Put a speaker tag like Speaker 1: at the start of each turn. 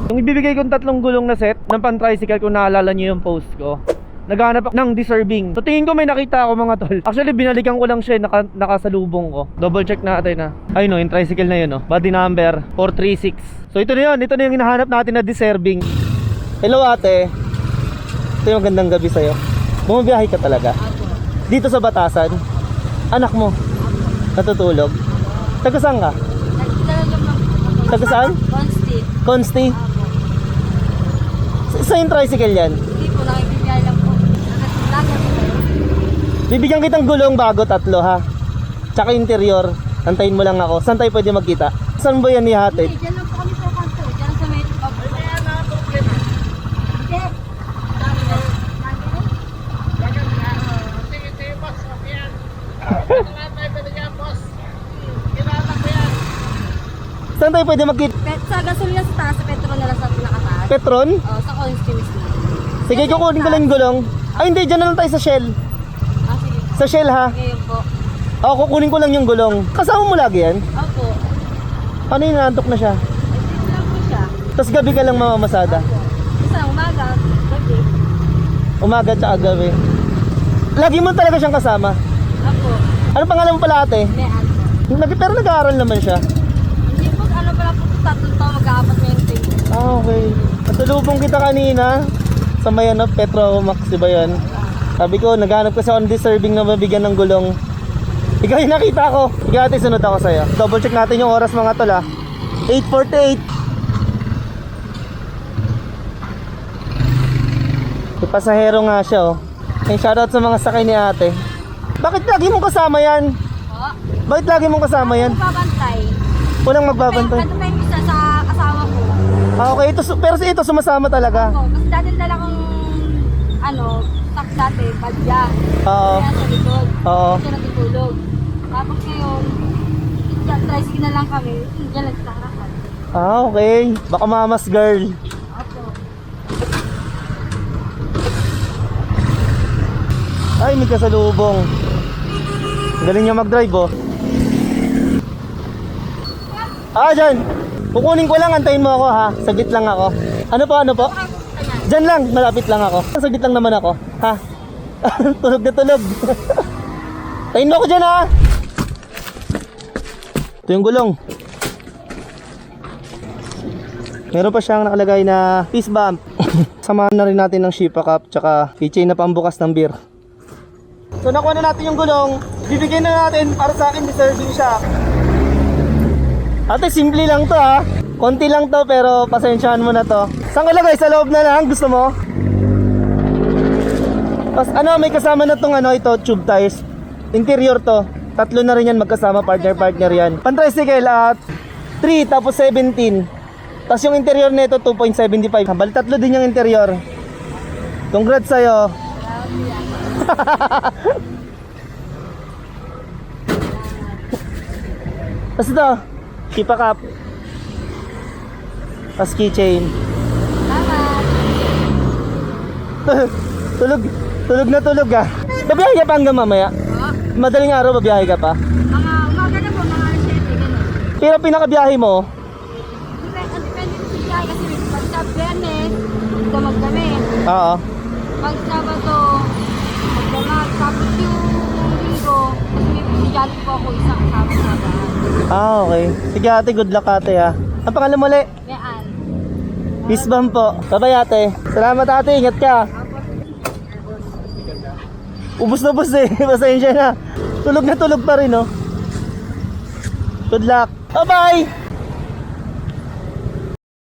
Speaker 1: Yung ibibigay kong 3 gulong na set ng pan-tricycle, kung naalala nyo yung post ko, naghahanap ako ng deserving. So tingin ko may nakita ako mga tol. Actually binalikan ko lang siya, nakasalubong ko. Double check natin na. Ayun no, yung tricycle na yun no. Body number 436. So ito na yun, ito na yung hinahanap natin na deserving. Hello ate. Ito yung magandang gabi sa'yo. Bumabiyahe ka talaga? Dito sa Batasan? Anak mo? Natutulog? Taga saan ka? Taga saan?
Speaker 2: Consti.
Speaker 1: Consti? Sa yung tricycle yan?
Speaker 2: Hindi po, nakikibiyay lang po.
Speaker 1: Bibigyan kitang gulong bago 3 ha. Tsaka interior. Antayin mo lang ako. Saan tayo pwede magkita? Saan ba yan ihatid?
Speaker 2: Hindi, dyan lang po kami sa kanto. Dyan sa may
Speaker 1: Saan tayo pwede magkita?
Speaker 2: sa gasolina sa taas, sa Petron na lang sa pinakataas.
Speaker 1: Petron?
Speaker 2: Oo, sa Consti mismo.
Speaker 1: Sige, kukunin ko lang yung gulong. Ay hindi, dyan na lang tayo sa Shell.
Speaker 2: Sige.
Speaker 1: Sa Shell ha.
Speaker 2: Ngayon po.
Speaker 1: Oo, kukunin ko lang yung gulong. Kasama mo lagi yan?
Speaker 2: Opo.
Speaker 1: Paano yung nantok na siya?
Speaker 2: Dito lang po siya.
Speaker 1: Tapos gabi ka lang mamamasada?
Speaker 2: Opo. Isa umaga, gabi.
Speaker 1: Umaga tsaka gabi. Lagi mo talaga siyang kasama?
Speaker 2: Opo.
Speaker 1: Ano pangalan mo pala ate?
Speaker 2: May ano.
Speaker 1: Pero nag-aaral naman siya.
Speaker 2: Hindi po, ano pala po, 3 taon mag-aapat na yung tayo.
Speaker 1: Ah, okay. Natulubong kita kanina sa may ano, Petromax, diba yan? Sabi ko, naghanap kasi ako ng deserving na mabigyan ng gulong. Ikaw yung nakita ko. Ikaw natin, sunod ako sa'yo. Double check natin yung oras mga tol ha. 8:48. May pasahero nga siya oh. Ay, shoutout sa mga sakay ni ate. Bakit lagi mong kasama yan?
Speaker 2: Po.
Speaker 1: Bakit lagi mong kasama yan?
Speaker 2: Babantay.
Speaker 1: Walang magbabantay.
Speaker 2: Ano pa yung isa sa asawa ko?
Speaker 1: Ah, okay. Pero ito sumasama talaga.
Speaker 2: Opo, kasi dati dala kong ano, tak dati, badya.
Speaker 1: Oo.
Speaker 2: Kaya sa likod.
Speaker 1: Oo.
Speaker 2: Siya natutulog. Tapos ngayon, dyan, tricycle na lang kami. Diyan lang sa harapan.
Speaker 1: Ah, okay. Baka mamas girl.
Speaker 2: Opo.
Speaker 1: Ay, may kasalubong. Galing niya mag-drive oh. Ah, dyan. Kukunin ko lang, antayin mo ako ha. Saglit lang ako. Ano po, ano po? Dyan lang, malapit lang ako. Saglit lang naman ako. Ha? Tulog na tulog. Tayin mo ako dyan ha. Ito yung gulong. Meron pa siyang nakalagay na fist bump. Samahan na rin natin ng Shipa Cup tsaka keychain na pambukas ng beer. So nakuha na natin yung gulong. Bibigyan na natin, para sa akin deserving siya. Ate, simple lang to ha. Konti lang to pero pasensyahan mo na to. Saan ka lagay? Sa loob na lang? Gusto mo? Tapos ano, may kasama na tong ano, ito, tube tires. Interior to. 3 na rin yan magkasama, partner yan. Pan-tricycle at 3 tapos 17. Tapos yung interior nito 2.75. Bali 3 din yung interior. Congrats sa'yo. Tapos ito, Shipa Cup. Tapos keychain. Tulog na tulog ah. Babiyahe ka pa hanggang mamaya? Madaling araw babiyahe ka pa?
Speaker 2: Mga umaga na po, mga 7, gano'n.
Speaker 1: Pero pinakabiyahe mo?
Speaker 2: Depende sa siya kasi pag sa Biyernes, damag kami.
Speaker 1: Oo.
Speaker 2: Pag Sabado, magdamag. Tapos yung Linggo, kasi may pisigyan po ako isang kasama sa bahay.
Speaker 1: Ah, okay. Sige ate, good luck ate ha. Ang pangalan mo ulit?
Speaker 2: Mayaan.
Speaker 1: Peace bomb po. Bye-bye ate. Salamat ate, ingat ka. Ubus na ubus eh. Pasensya na. Tulog na tulog pa rin oh. Good luck. Bye-bye.